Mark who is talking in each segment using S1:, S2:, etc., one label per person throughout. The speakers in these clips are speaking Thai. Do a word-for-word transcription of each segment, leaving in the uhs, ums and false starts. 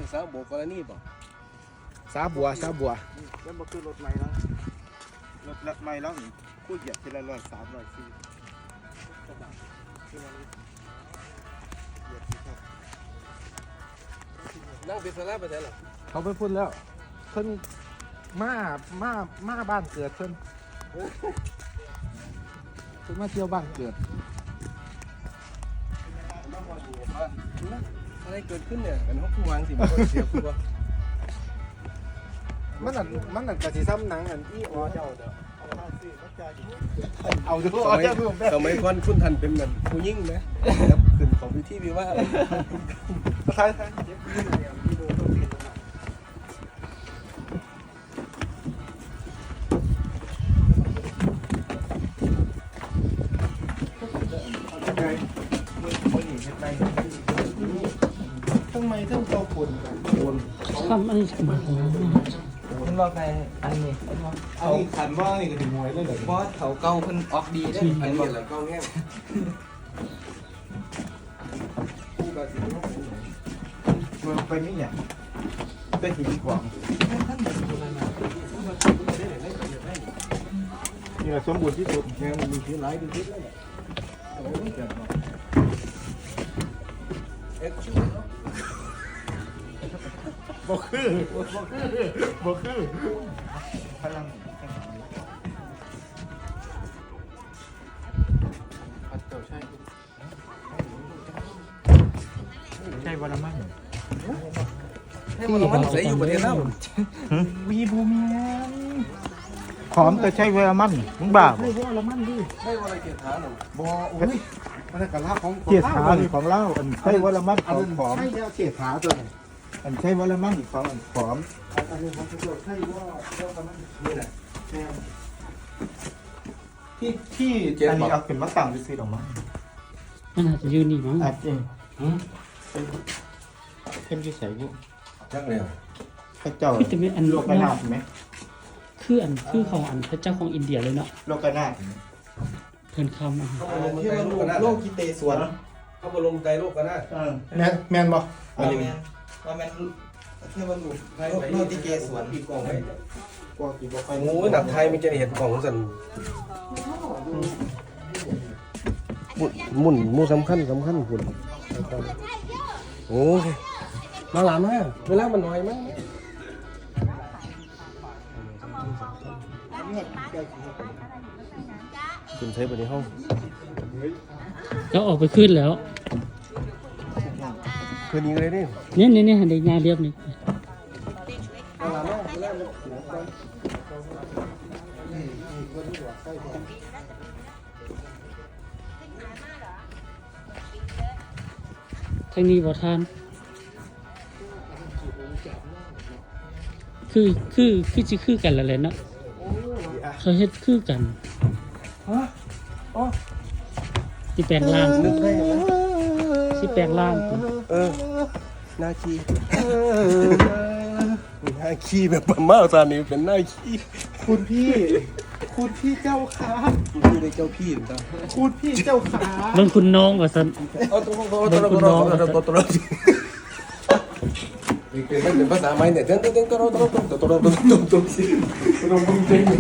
S1: สาวโบกรณีบ่
S2: สาบัวสาบัว
S3: แล้วมาคือรถใหม่แล้วรถใหม่แล้วนี่คู่เหยียบทีละร้อยสามร้อยสี่
S1: นั่งเป็นสลาไปไหนหรอ
S2: เขาไปพูดแล้วเพิ่นมามามาบ้านเกิดเพิ่นเพิ่นมาเที่ยวบ้านเกิด
S1: อะไรเกิดขึ้นเนี่ยกันเขาคู่วางสิมันเสียคู่วะ
S2: มันนั่นมันนั่นกะสิซ้ำหนังอันอีอ๋อเจ้าเด้อเอาดู
S1: สมัยสมัยก่อนคุณทันเป็นเหมือนผู้ยิ่งไหมครับขึ้นของพิธีวิวาห์
S2: ท้ายทำไมต้องเจ้าคนคน
S4: ทำอะไรกัน
S5: คุณบอกใครอันนี้
S2: เอาขันว่านี่ก็ถึงมวยเลยเหรอบอส
S5: เขาเก่าเพิ่นออกดีได้
S1: อันนี้หลังกล้องแง่
S2: มันไปนี่เนี่ยได้หินกว่างนี่แหละสมบูรณ์ที่สุดเนี่ยมันมีที่หลายที่สุดเลย
S1: เอ็กซ์
S2: บ่คือบ่คือบ่คือพลังใช่วันละมั่ง
S1: ให้มันมันใส่อยู่ประเทศเรา
S2: วีบูเมียนหอมแต่ใช่เวลามันมึงบ้าใช่เวลามันดิ
S1: ให้วันอะไรเกียรติฐานหรอ
S2: บ่โอ้ยมันกะลาของเกียรติฐานของเล่าอันใช่เวลามันของหอมใช่แล้วเกียรติฐานตัวนี้อันใช่เวลามันของอันหอมอันนี้ของประโยชน์ใช่ว่าเวลามันนี่แหละที่ที่อันนี้เอาเป็นมะตังซื้อดอกไม้
S4: มันอาจจะยืนนี่มั้ง
S2: อาจจะเข้มที่ใส่พวก
S1: จักเลย
S2: พระเจ้าโลกนาถไหม
S4: คืออันคือของอันพระเจ้าของอินเดียเลยเนาะ
S2: โลกนาถ
S4: เพิ่นคำอ่ะ
S2: ที่มันโลกกิเตสวน
S1: เขาบรมใจโลกกันนะ
S2: แมนแมนบอก
S5: ว่าแมนว่าแมนเที่ยวมันอยู่โลกติเกสวน
S1: ปีกองไว้
S2: กว่ากี่บอกไป
S1: โอ้ยหนักไทยมันจะเห็นของสันมุ่นมุ่นสำคัญสำคัญคุณโอ้ยมาหลานมาเวลามันน้อยมั้งคุณใช้ไปในห้อง
S4: แล้วออกไปขึ้นแล้ว
S1: คืนนี้เลยดิ
S4: เนี่ยเนี่ยเนี่ยเด็กงานเรียบนี่ทางนี้บ่ทานคือคือคือจะคือกันละเลยเนาะเขาเฮ็ดคือกันที่แปลงร่างที่แปลงร่าง
S1: เออนาคีนาคีแบบมาตอนนี้เป็นนาคี
S2: คุณพี่คุณพี่เจ้าขา
S1: คุณพี่ได้เจ้าพี่หรือเปล่า
S2: คุณพี่เจ้าขา
S4: บางคุณน้องว่าซั่น
S1: เอาตัวตัวตัวตัวตัวตัวตัวเป็นเป็นภาษาไม้เนี่ยเต้นเต้นเต้นตัวตัวตัวตัวตัวตัวตัวตัวตัวสิตัวมึงเป็น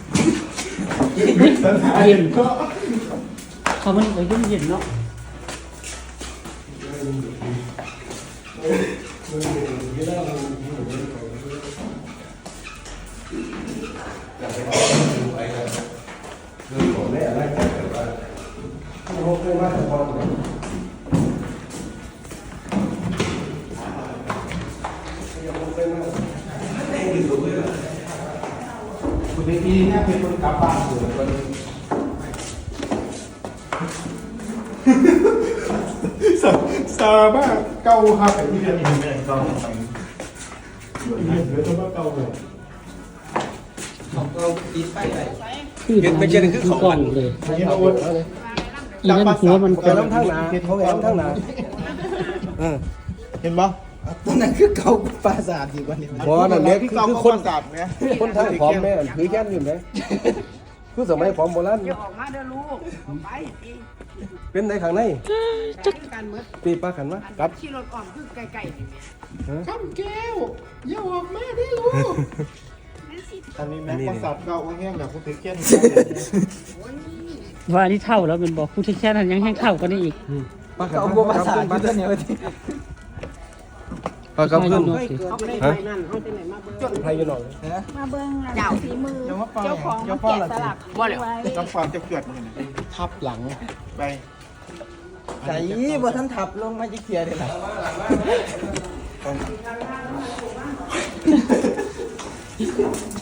S4: เย็นก็เขามันไปเย็นเย็นเนาะ
S2: คุณพี่เนี่ยเป็นคนกลับบ้านอยู่คนสาสาบ้าเก่าครับที่เรียนอินเดียเก่าไปเรียนเดี๋ยวต้องมาเก่าเลย
S5: ของเราติดไปไหน
S4: คือไม่ใช่คือของมันเลยอีนั่นหัวมัน
S1: แกล้ำทั้งหนาเขาแกล้ำทั้งหนา
S2: เห็นปะ
S5: ตอนนั้นคือเก่าปราสาทอยู่วันนี้
S1: เพราะนั่นเนี่ยคือคนศาสตร์เนี่ยคนทั้งพร้อมแม่ถือแก้มอยู่ไหนคือสมัยพร้อมโบราณ
S6: อย่าออกมาเด้อลูกไป
S1: เป็นในข้างใน
S6: การเมื่อ
S1: ตีปลาขันวะกับ
S6: ขี่รถอ่อมคือไก่ๆนี่แม่
S1: ฮะ
S2: ข้ามแก้วอย่าออกมาได้ลูกอันนี้แม่ประสาทเก่าแห้งแบบผู้ถือเกี้ยน
S4: ว่าอันนี้เท่าแล้วเป็นบอกผู้ที่แค่นั้นยังแห้งเท่ากว่านี้อีก
S1: ปลาขัน
S5: เอา
S1: วะ
S5: บัวภาษา
S1: ปลา
S5: ที่ตัวเหนียวที่
S1: ปลากับขึ้น
S6: เขาไม่ได้ไปนั่นเขาจะไหนมาเบิ่งจน
S1: ไทยอยู่หน่อย
S7: มาเบิ่งเจ้าฝีมือ
S2: เดี๋ยวมาฟัง
S7: เจ้าของ
S2: เดี๋ยว
S7: มา
S2: ฟัง
S7: แกะ
S2: ละ
S7: สลัก
S6: บ่เลย
S7: ไว้
S2: ต้องความจะเกิดนี่นะทับหลังไป
S5: ใจบ่ท่านทับลงมาจะเคลียร์เลยนะ